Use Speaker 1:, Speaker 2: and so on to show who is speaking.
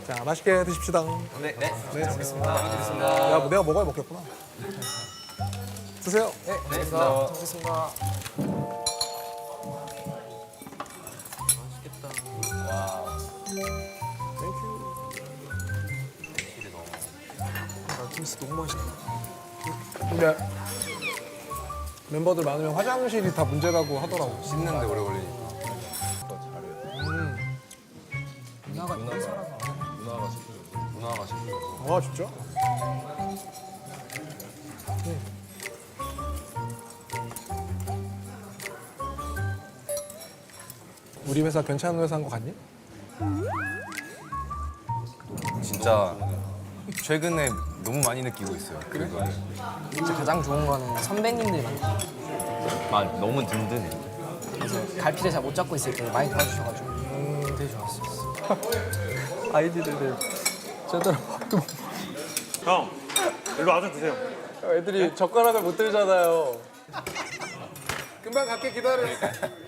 Speaker 1: 자, 맛있게 드십시다.
Speaker 2: 네.
Speaker 1: 네.
Speaker 2: 알겠습니다.
Speaker 1: 야, 뭐 내가 먹어야 먹겠구나. 드세요.
Speaker 2: 네. 알겠습니다.
Speaker 3: 알겠습니다. 김치 너무 맛있다.
Speaker 1: 근데 멤버들 많으면 화장실이 다 문제라고 하더라고.
Speaker 2: 씻는데 오래 걸리니까.
Speaker 3: 누나가 이런 사람
Speaker 2: 문화가 싶어서.
Speaker 1: 아, 진짜? 우리 회사 괜찮은 회사인 거 같니?
Speaker 2: 진짜 최근에 너무 많이 느끼고 있어요. 그래?
Speaker 3: 진짜 가장 좋은 거는 선배님들이
Speaker 2: 너무 든든해.
Speaker 3: 그래서 갈피를 잘 못 잡고 있을 때 많이 도와주셔가지고 되게 좋았어요.
Speaker 1: 아이디들 제대로 밥도 못
Speaker 4: 형, 일로 와서 드세요.
Speaker 1: 애들이 젓가락을 못 들잖아요. 금방 갈게 기다려.